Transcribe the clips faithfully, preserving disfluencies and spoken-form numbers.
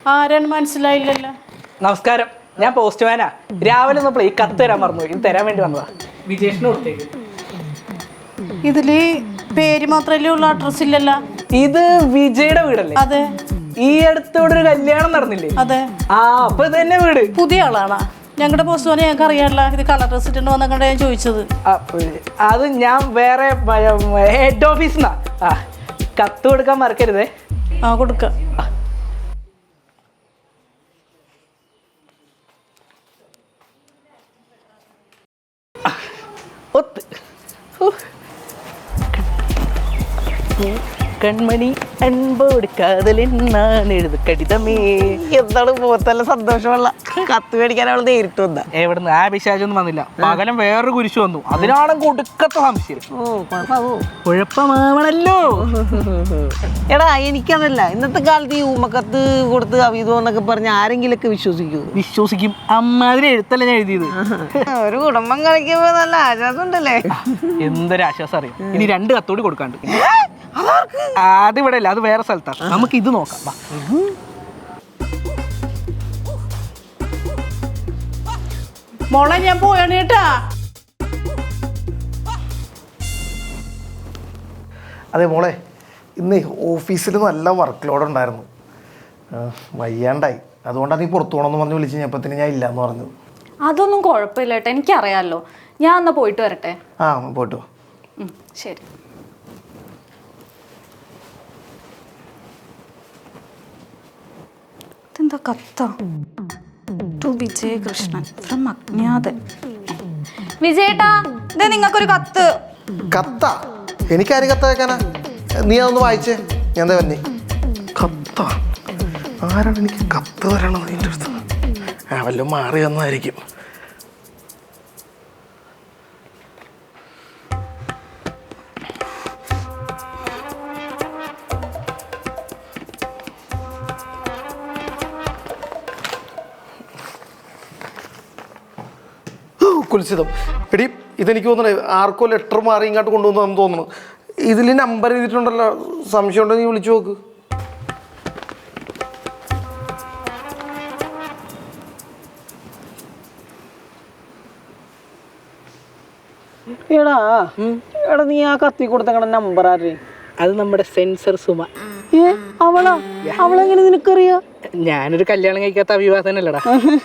ആരാണ് മനസ്സിലായില്ലല്ലോ. നമസ്കാരം, ഞാൻ പോസ്റ്റ്മാനാ. രാവിലെ നമ്മൾ ഈ കത്ത് തരാൻ മറന്നു, ഇത് തരാൻ വേണ്ടി വന്നതാ. വിജേഷിന് കൊടുത്തേക്ക്. ഇതില് പേര് മാത്രല്ലേ ഉള്ള അഡ്രസ് ഇല്ലല്ലോ. ഇത് വിജയുടെ വീടല്ലേ? അതെ. ഈ അടുത്തോടെ ഒരു കല്യാണം നടന്നില്ലേ? അതെ. ആ, അപ്പൊ ഇത് തന്നെ വീട്. പുതിയ ആളാണോ? ഞങ്ങളുടെ പോസ്റ്റ്മാനെ ഞങ്ങൾക്ക് അറിയാമല്ല. ഇത് കളർ ഡ്രസ് ഇട്ടുണ്ട് വന്നൊക്കെ ഞാൻ ചോദിച്ചത്. അത് ഞാൻ വേറെ ഹെഡ് ഓഫീസിന്നാ. ആ, കത്ത് കൊടുക്കാൻ മറക്കരുതേ. ആ, കൊടുക്കാം. കൺമണി അൻപോട് കാതലെന്നാണ് എഴുതു കടിതമേ. എന്താണ് മുഖത്തല്ല സന്തോഷമുള്ള കത്ത് മേടിക്കാൻ അവൾ നേരിട്ട് വന്ന. എവിടുന്ന് ആ പിശാചൊന്നും വന്നില്ല. പകരം വേറൊരു കുരിശ് വന്നു. അതിനാണെങ്കിൽ ഒടുക്കത്തെ സംശയം. കുഴപ്പമാവണല്ലോ. എടാ എനിക്കതല്ല, ഇന്നത്തെ കാലത്ത് ഈ ഉമ്മക്കത്ത് കൊടുത്ത് അവീതോ എന്നൊക്കെ പറഞ്ഞ് ആരെങ്കിലൊക്കെ വിശ്വസിക്കൂ? വിശ്വസിക്കും. അമ്മാതിരി എഴുത്തല്ല ഞാൻ എഴുതിയത്. ഒരു കുടുംബം കളിക്കുമ്പോ നല്ല ആശ്വാസം ഉണ്ടല്ലേ? എന്തൊരു ആശ്വാസം അറിയാം. ഇനി രണ്ട് കത്തോടി കൊടുക്കാണ്ട്. അതിവിടെ അല്ല, അത് വേറെ സ്ഥലത്താണ്. നമുക്ക് ഇത് നോക്കാം. മോളെ ഞാൻ പോയാണ് കേട്ടാ. അതെ മോളെ, ഇന്ന് ഓഫീസിൽ നല്ല വർക്ക് ലോഡ് ഉണ്ടായിരുന്നു. വയ്യാണ്ടായി, അതുകൊണ്ടാണ് നീ പുറത്തു പോകണമെന്ന് പറഞ്ഞ് വിളിച്ച് കഴിഞ്ഞപ്പത്തിന് ഞാൻ ഇല്ലയെന്ന് പറഞ്ഞു. അതൊന്നും കുഴപ്പമില്ല കേട്ടോ, എനിക്കറിയാമല്ലോ. ഞാൻ എന്നാ പോയിട്ട് വരട്ടെ. ആ, പോയിട്ട് വാ. ശരി. ഇതെന്താ കത്ത? ടു വിജയകൃഷ്ണൻ ഫ്രം അജ്ഞാതൻ. വിജയേട്ടാ, ഇതേ നിങ്ങൾക്കൊരു കത്ത്. കത്ത? എനിക്കാര് കത്ത വെക്കാനാ? നീ അതൊന്ന് വായിച്ചേ, ഞാൻ എന്താ വന്നേ. കത്ത? ആരാണ് എനിക്ക് കത്ത് തരണത് നിൻ്റെ അടുത്ത്? ആ, വല്ലതും മാറി വന്നതായിരിക്കും. കുൽസിതം. എടി, ഇതെനിക്ക് തോന്നണേ ആർക്കോ ലെറ്റർ മാറി ഇങ്ങോട്ട് കൊണ്ടുവന്നു തോന്നുന്നു. ഇതിൽ നമ്പർ എഴുതിയിട്ടുണ്ടല്ലോ, സംശയം ഉണ്ടോ നീ വിളിച്ചു നോക്ക്. എടാ എടാ നീ ആ കത്തി കൊടുത്ത നമ്പർ ആര്? അത് നമ്മുടെ സെൻസർ സുമ. ഏ, അവളാ? അവളെങ്ങനെ നിനക്കറിയാ? ഞാനൊരു കല്യാണം കഴിക്കാത്ത അഭിവാസനല്ലടാ.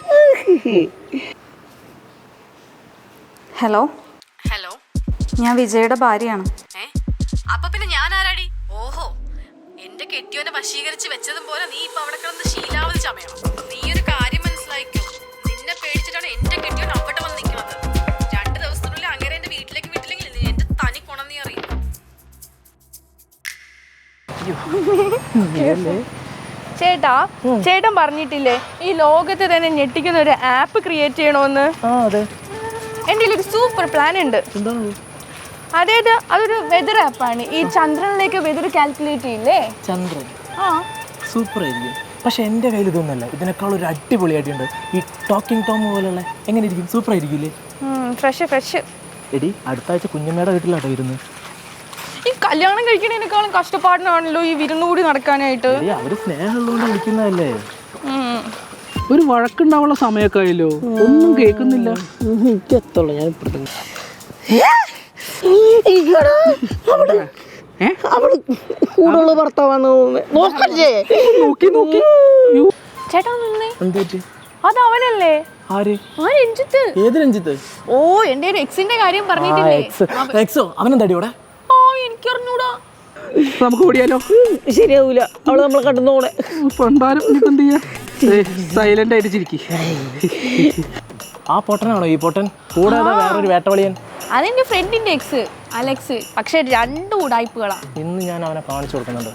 ഹലോ ഹലോ, ഞാൻ വിജയുടെ ഭാര്യയാണ്. ഏ അപ്പൊ പിന്നെ ഞാൻ ആരാടി? ഓഹോ, എന്റെ കെട്ടിയോനെ വശീകരിച്ച് വെച്ചതും പോലെ നീ ഇപ്പൊ അവിടെ കിടന്ന് ശീലാവധി ചമയണം. നീ ഒരു കാര്യം മനസ്സിലായിക്കോ, നിന്നെ പേടിച്ചിട്ടാണ് എന്റെ കെട്ടിയോൻ അവിടെ വന്ന് നിൽക്കുന്നത്. രണ്ട് ദിവസത്തിനുള്ളിൽ അങ്ങനെ എന്റെ വീട്ടിലേക്ക് വിട്ടില്ലെങ്കിൽ എന്റെ തനി കൊണം നീ അറിയും. ചേട്ടാ, ചേട്ടൻ പറഞ്ഞിട്ടില്ലേ ഈ ലോകത്ത് തന്നെ ഞെട്ടിക്കുന്ന ഒരു ആപ്പ് ക്രിയേറ്റ് ചെയ്യണമെന്ന്? എൻ്റെ ഒരു സൂപ്പർ പ്ലാൻ ഉണ്ട്. അതായത് അതൊരു വെതർ ആപ്പാണ്. ഈ ചന്ദ്രനിലേക്ക് വെതർ കാൽക്കുലേറ്റ് ചെയ്യില്ലേ? ചന്ദ്രൻ? ആ, സൂപ്പർ ആയിരിക്കും. പക്ഷെ എൻ്റെ കയ്യിൽ ഇതൊന്നല്ല, ഇതിനേക്കാൾ ഒരു അടിപൊളിയായിട്ടുണ്ട്. ഈ ടോക്കിംഗ് ടോം പോലുള്ള. എങ്ങനെ ഇരിക്കും? സൂപ്പർ ആയിരിക്കില്ലേ? Fresh fresh. എടി, അടുത്ത ആഴ്ച കുഞ്ഞമ്മയുടെ വീട്ടിലാട്ടോ ഇരുന്ന്. ഈ കല്യാണം കഴിക്കണേനേക്കാളും കഷ്ടപ്പാടിനാണല്ലോ ഈ വിരുന്നുകൂടി നടക്കാനായിട്ട്. അവര് സ്നേഹമുള്ളതുകൊണ്ട് വിളിക്കുന്നതല്ലേ. ഒരു വഴക്കുണ്ടാവുള്ള സമയമൊക്കെ ആയല്ലോ, ഒന്നും കേൾക്കുന്നില്ല. എനിക്കെത്തുള്ളൂ ഞാൻ ഇപ്പഴത്തെ. അവള് കൂടുള്ള ഭർത്താവാന്ന് നോക്കല്ലേ? നോക്കി നോക്കി. ചേട്ടാ നിന്നേ, എന്താ? അത് അവനല്ലേ? ആര്? ആ രഞ്ജിത്ത്. ഏത് രഞ്ജിത്ത്? ഓ, എന്റെ ഒരു എക്സിന്റെ കാര്യം പറഞ്ഞിട്ടില്ലേ? അവനെന്താടിയോടെ? ആ, എനിക്കറിഞ്ഞൂടാ. നമുക്ക് ഓടിയാലോ? ശരിയാവൂല, അവള് നമ്മളെ കണ്ടുന്നോടെ. സൈലന്റ് ആയിട്ട് ചിരിക്കി. ആ പൊട്ടനാണോ ഈ പൊട്ടൻ? കൂടാതെ വേറൊരു വേട്ടവളിയൻ. അതെന്റെ ഫ്രണ്ടിന്റെ എക്സ് അലക്സ്. പക്ഷെ രണ്ടു ഉടായ്പകളാ. ഇന്ന് ഞാൻ അവനെ കാണിച്ചു കൊടുക്കുന്നുണ്ട്.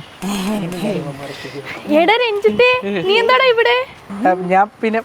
എടാ രഞ്ജിത്തെ, നീ എന്താടാ ഇവിടെ? ഞാൻ പിന്നെ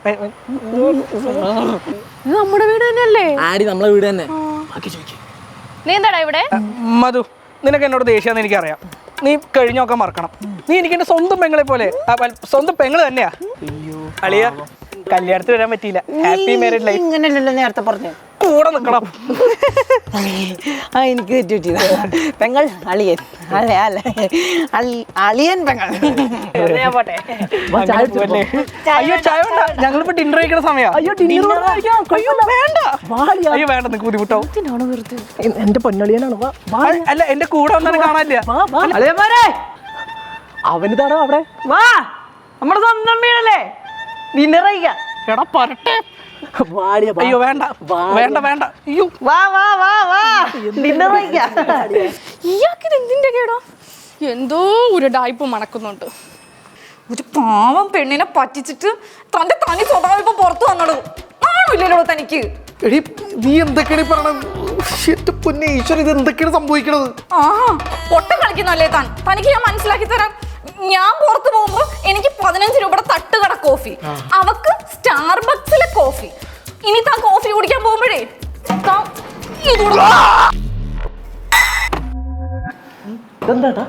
നമ്മുടെ വീട് തന്നെയല്ലേ? ആര്? നമ്മളെ വീട് തന്നെ. നീ എന്താടാ ഇവിടെ? മധു, നിനക്ക് എന്നോട് ദേഷ്യാന്ന് എനിക്കറിയാം. നീ കഴിഞ്ഞൊക്കെ മറക്കണം. നീ എനിക്ക് എന്റെ സ്വന്തം പെങ്ങളെ പോലെ, സ്വന്തം പെങ്ങള് തന്നെയാ. അളിയ, കല്യാണത്തിന് വരാൻ പറ്റിയില്ല. Happy married life. ഇങ്ങനെയല്ലല്ലോ നേരത്തെ പറഞ്ഞു. കൂടെ നിക്കണം. ആ എനിക്ക് തെറ്റുപറ്റിയതാ. പെങ്ങൾ അളിയൻ അല്ല അല്ല അളി അളിയൻ പെങ്ങൾ. ഞാൻ പോട്ടെ. അയ്യോ ചായ വേണ്ട, ഞങ്ങളിപ്പോ ഡിന്നർ കഴിക്കുന്ന സമയം. അയ്യോ വേണ്ട, അയ്യോ വേണ്ട, നിനക്ക് ബുദ്ധിമുട്ടാവും. എന്റെ പൊന്നളിയനാണ്. അല്ല എന്റെ കൂടെ വന്നാലും കാണാനില്ല. അളിയന്മാരെ അവനിതാണോ അവിടെ? വാ, നമ്മുടെ സ്വന്തം വീടല്ലേ, ഡിന്നർ കഴിക്കാം. എടാ പറട്ടെ. അയ്യോ വേണ്ട വേണ്ട വേണ്ട. അയ്യോ വാ വാ വാ വാ ഡിന്നർ കഴിക്കാം. ഇയാൾക്ക് ഇത് എന്തിന്റെ കേടോ? എന്തോ ഒരു ഡായ്പ് മണക്കുന്നുണ്ട്. ഒരു പാവം പെണ്ണിനെ പറ്റിച്ചിട്ട് തന്റെ തനി സ്വഭാവം ഇപ്പൊ പുറത്തു വന്നോളൂ. ആണോ ഇല്ലല്ലോ തനിക്ക്? എടി നീ എന്തൊക്കെയാണ് ഈ പറയണത്? എന്റെ പൊന്നെ ഈശ്വരൻ, ഇത് എന്തൊക്കെയാണ് സംഭവിക്കണത്? ആഹാ ഒട്ടം കളിക്കുന്നല്ലേ താൻ? തനിക്ക് ഞാൻ മനസ്സിലാക്കി തരാം. ഞാൻ പുറത്തു പോകുമ്പോ എനിക്ക് പതിനഞ്ച് രൂപയുടെ തട്ടുകട കോഫി, അവക്ക് സ്റ്റാർബക്സിലെ കോഫി. ഇനി താൻ കോഫി കുടിക്കാൻ പോകുമ്പോഴേ താൻ ഇത് കൊടുക്കണം. ഇതെന്താട്ടാ?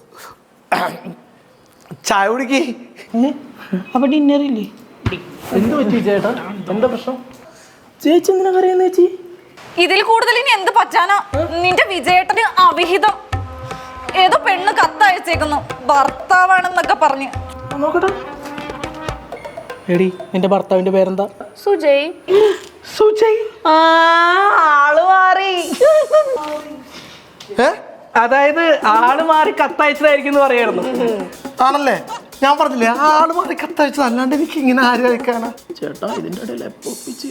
ചായ കുടിക്ക്. അപ്പൊ ഡിന്നറില്ലേ? എന്ത് പറ്റി ചേട്ടാ? എന്താ പ്രശ്നം? ചേച്ചി എന്തിനാ കരയുന്ന ചേച്ചി? ഇതിൽ കൂടുതൽ ഇനി എന്ത് പറ്റാനാ? നിന്റെ വിജയേട്ടന് അവിഹിതം. ഏതോ പെണ്ണ് കത്തയച്ചേക്കുന്നു, ഭർത്താവാണെന്നൊക്കെ പറഞ്ഞ്. നോക്കട്ടെ. എടി നിന്റെ ഭർത്താവിന്റെ പേരെന്താ? സുജയ്. സുജയ്. ആ ആള് മാറി. ഏ അതായത് ആള് മാറി കത്തയച്ചതായിരിക്കും എന്ന് പറയായിരുന്നു. ആണല്ലേ? ഞാൻ പറഞ്ഞില്ലേ ആള് മാറി കത്തയച്ചത്, അല്ലാണ്ട് എനിക്ക് ഇങ്ങനെ ആര് കഴിക്കാനാ? ചേട്ടാ ഇതിന്റെ ഇടയിൽ എപ്പോപ്പിച്ച്.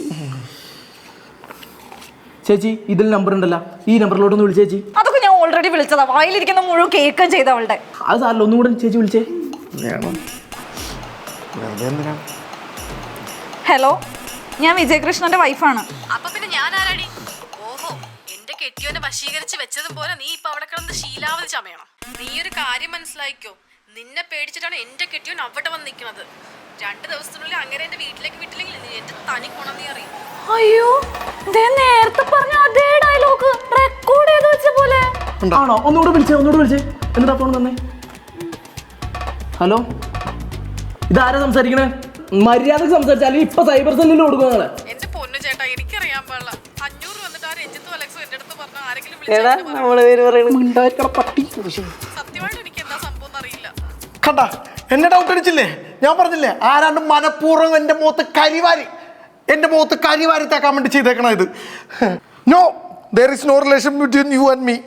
ചേച്ചി ഇതിൽ നമ്പർ ഉണ്ടല്ലോ, ഈ നമ്പറിലോട്ടൊന്ന് വിളിച്ചേ ചേച്ചി. അതൊക്കെ ഞാൻ ഓൾറെഡി വിളിച്ചതാ. വായിലിരിക്കുന്ന മുഴുവൻ കേൾക്കുകയും ചെയ്തവളുടെ. അത് സാറില്ല, ഒന്നും കൂടെ ചേച്ചി വിളിച്ചേ. വേണം. വെറുതെ എന്തിനാ? ഹലോ, ഞാൻ വിജയകൃഷ്ണന്റെ വൈഫാണ്. അപ്പൊ പിന്നെ ഞാൻ ആരാടി? ഓഹോ, എന്റെ കെട്ടിയോനെ വശീകരിച്ച് വെച്ചതും പോലെ നീ ഇപ്പൊ അവിടെ കിടന്ന് ശീലാവധി ചമയണം. നീ ഒരു കാര്യം മനസ്സിലാക്കിക്കോ, നിന്നെ പേടിച്ചിട്ടാണ് എന്റെ കെട്ടിയോൻ അവിടെ വന്ന് നിൽക്കുന്നത്. രണ്ട് ദിവസത്തിനുള്ളിൽ അങ്ങനെ എന്റെ വീട്ടിലേക്ക് വിട്ടില്ലെങ്കിൽ എന്റെ തനി ഗുണം നീ അറിയും. അയ്യോ, ദേ നേരത്തെ പറഞ്ഞ അതേ ഡയലോഗ് റെക്കോർഡ് ചെയ്ത് വെച്ച പോലെ. ആണോ? ഒന്നുകൂടെ വിളിച്ചേ, ഒന്നുകൂടെ വിളിച്ചേ. എന്നിട്ടാ ഫോൺ തന്നെ. ഹലോ, ഇതാരാ സംസാരിക്കണേ? മര്യാദക്ക് സംസാരിച്ചാൽ ഇപ്പൊ സൈബർ സെല്ലിൽ കൊടുക്കും നിങ്ങളെ. എന്റെ പൊന്നു ചേട്ടാ, എനിക്കറിയാൻ പാടില്ല. അഞ്ഞൂറ് വന്നിട്ട് ആ രഞ്ജിത്തും അലക്സും എന്റെ അടുത്ത് പറഞ്ഞ ആരെങ്കിലും എടാ നമ്മള് പേര് പറയണ പട്ടി. സത്യമായിട്ട് എനിക്ക് എന്താ സംഭവം അറിയില്ല. കണ്ട എന്നെ ഡൗട്ട് അടിച്ചില്ലേ? ഞാൻ പറഞ്ഞില്ലേ ആരാണ്ട് മനഃപൂർവ്വം എൻ്റെ മുഖത്ത് കരിവാരി എൻ്റെ മുഖത്ത് കരിവാരി തേക്കാൻ വേണ്ടി ചെയ്തേക്കണ ഇത്. No, there is no relation between you and me.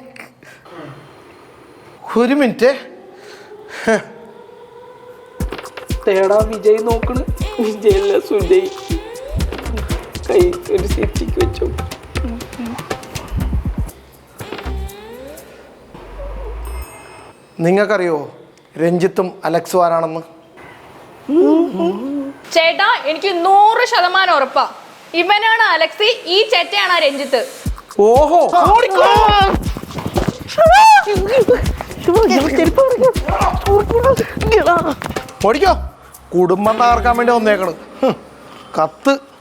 ഒരു മിനിറ്റ്. തേടാ വിജയ് നോക്കണ്. വിജയല്ല സുജയ്. കൈ ഒരു സെറ്റിക്ക് വെച്ചോ. നിങ്ങൾക്കറിയോ രഞ്ജിത്തും അലക്സും ആരാണെന്ന്? ചേട്ടാ എനിക്ക് നൂറ് ശതമാനം ഉറപ്പാ, ഇവനാണ് അലക്സി, ഈ ചേട്ടയാണ് രഞ്ജിത്ത്. ഓഹോ, ഓടിക്കോ. കുടുംബം തകർക്കാൻ വേണ്ടി വന്നേക്കണ്. കത്ത്